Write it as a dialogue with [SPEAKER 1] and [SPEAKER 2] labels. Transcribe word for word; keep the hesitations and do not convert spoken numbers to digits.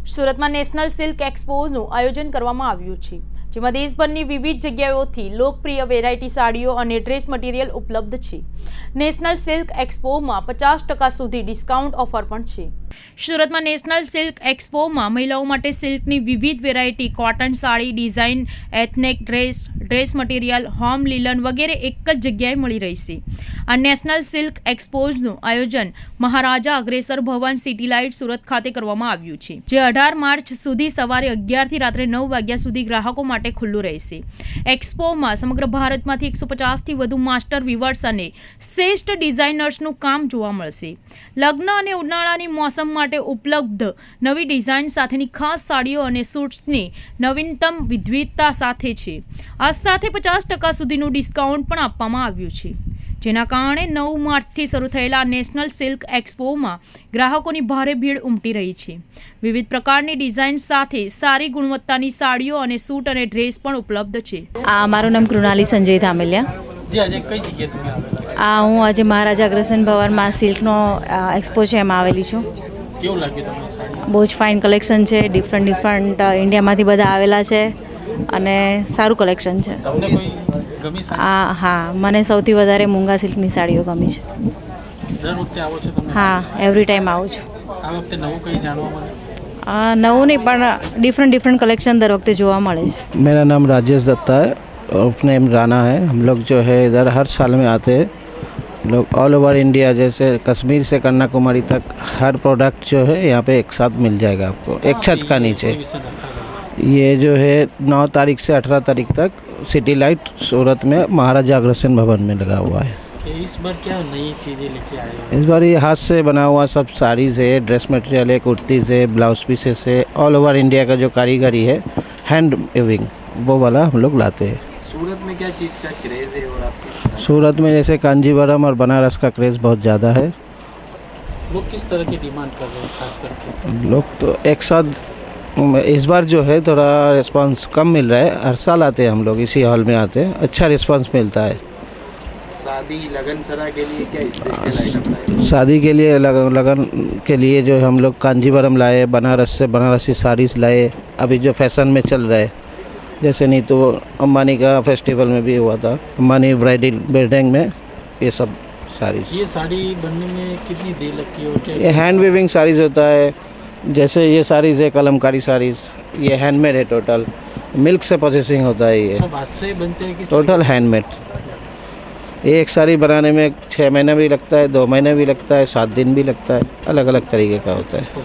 [SPEAKER 1] સુરતમાં national silk એક્સપોનું આયોજન કરવામાં આવ્યું છે, જેમાં દેશભરની વિવિધ જગ્યાઓથી લોકપ્રિય વેરાયટી સાડીઓ અને ડ્રેસ મટીરિયલ ઉપલબ્ધ છે। નેશનલ સિલ્ક એક્સપોમાં પચાસ ટકા સુધી ડિસ્કાઉન્ટ ઓફર પણ છે। સુરતમાં નેશનલ સિલ્ક એક્સપોમાં મહિલાઓ માટે સિલ્કની વિવિધ variety, cotton sari, design, ethnic dress, dress material, home linen વગેરે એક જ જગ્યાએ મળી રહેશે। આ નેશનલ સિલ્ક એક્સપોનું આયોજન મહારાજા અગ્રેસર ભવન સિટી લાઇટ સુરત ખાતે કરવામાં આવ્યું છે, જે અઢાર માર્ચ સુધી સવારે અગિયારથી રાત્રે નવ વાગ્યા સુધી ગ્રાહકો માટે ખુલ્લું રહેશે। એક્સપોમાં સમગ્ર ભારતમાંથી એકસો પચાસથી વધુ માસ્ટર વીવર્સ અને શ્રેષ્ઠ ડિઝાઇનર્સનું કામ જોવા મળશે। લગ્ન અને ઉનાળાની મોસમ માટે ઉપલબ્ધ નવી ડિઝાઇન સાથેની ખાસ સાડીઓ અને સૂટ્સની નવીનતમ વિવિધતા સાથે છે। આ સાથે પચાસ ટકા સુધીનું ડિસ્કાઉન્ટ પણ આપવામાં આવ્યું છે, જેના કારણે નવ માર્ચથી શરૂ થયેલા નેશનલ સિલ્ક એક્સપોમાં ગ્રાહકોની ભારે ભીડ ઉમટી રહી છે। વિવિધ પ્રકારની ડિઝાઇન સાથે સારી ગુણવત્તાની સાડીઓ અને સૂટ અને ડ્રેસ પણ ઉપલબ્ધ છે।
[SPEAKER 2] આ મારું નામ કૃણાલી સંજય ધામેલિયા।
[SPEAKER 3] જી આજે કઈ જગ્યાએ તમે આવેલા?
[SPEAKER 2] આ હું આજે મહારાજા અગ્રસેન ભવનમાં સિલ્કનો એક્સપો છે એમાં આવેલી છું।
[SPEAKER 3] કેવું લાગ્યું તમને સાડી?
[SPEAKER 2] બહુ જ ફાઇન કલેક્શન છે, ડિફરન્ટ ડિફરન્ટ ઇન્ડિયામાંથી બધા આવેલા છે અને સારું કલેક્શન છે।
[SPEAKER 3] તમને કોઈ ગમી સાડી?
[SPEAKER 2] આ હા, મને સૌથી વધારે મૂંગા સિલ્કની સાડીઓ ગમી છે।
[SPEAKER 3] દર વખતે આવો છો તમે?
[SPEAKER 2] હા, એવરી ટાઈમ આવું છું।
[SPEAKER 3] આ વખતે નવું કંઈ જાણવા મળે?
[SPEAKER 2] આ નવું નહીં પણ ડિફરન્ટ ડિફરન્ટ कलेक्शन दर वक्त જોવા મળે છે।
[SPEAKER 4] मेरा नाम राजेश दत्ता है और नेम राणा है। हम लोग जो है इधर हर साल में आते हैं, लोग ऑल ओवर इंडिया, जैसे कश्मीर से कन्याकुमारी तक हर प्रोडक्ट जो है यहाँ पे एक साथ मिल जाएगा आपको एक छत का नीचे। ये जो है नौ तारीख से अठारह तारीख तक सिटी लाइट सूरत में महाराजा अग्रसेन भवन में लगा हुआ है।
[SPEAKER 3] इस बार क्या नई चीज़ें लेके आए हो?
[SPEAKER 4] इस बार ये हाथ से बना हुआ सब साड़ीज़ है, ड्रेस मटेरियल है, कुर्तीज़ है, ब्लाउज पीसेस है, ऑल ओवर इंडिया का जो कारीगरी है हैंड वीविंग वो वाला हम लोग लाते हैं।
[SPEAKER 3] सूरत में क्या चीज़ का क्रेज़ है और आपकी?
[SPEAKER 4] सूरत में जैसे कांजीवरम और बनारस का क्रेज़ बहुत ज़्यादा है।
[SPEAKER 3] लोग किस तरह की डिमांड कर रहे हैं खास करके?
[SPEAKER 4] लोग तो एक साथ इस बार जो है थोड़ा रिस्पांस कम मिल रहा है। हर साल आते हैं हम लोग, इसी हॉल में आते हैं, अच्छा रिस्पांस मिलता है।
[SPEAKER 3] शादी लगन सरा के लिए क्या स्पेशल आइटम लाए?
[SPEAKER 4] शादी के लिए लगन लगन के लिए जो हम लोग कांजीवरम लाए, बनारस से बनारसी साड़ीज़ लाए, अभी जो फैशन में चल रहा है, जैसे नहीं तो अंबानी का फेस्टिवल में भी हुआ था, अंबानी ब्राइडल वेडिंग में ये सब साड़ीज़।
[SPEAKER 3] ये साड़ी बनने में कितनी देर लगती है और क्या?
[SPEAKER 4] ये हैंड वीविंग साड़ीज़ होता है। जैसे ये साड़ीज़ है कलमकारी साड़ीज़, ये हैंडमेड है, टोटल मिल्क से प्रोसेसिंग होता है। ये
[SPEAKER 3] सब हाथ से बनते हैं? किस
[SPEAKER 4] टोटल हैंडमेड। एक साड़ी बनाने में छः महीना भी लगता है, दो महीने भी लगता है, सात दिन भी लगता है, अलग अलग तरीके का होता है।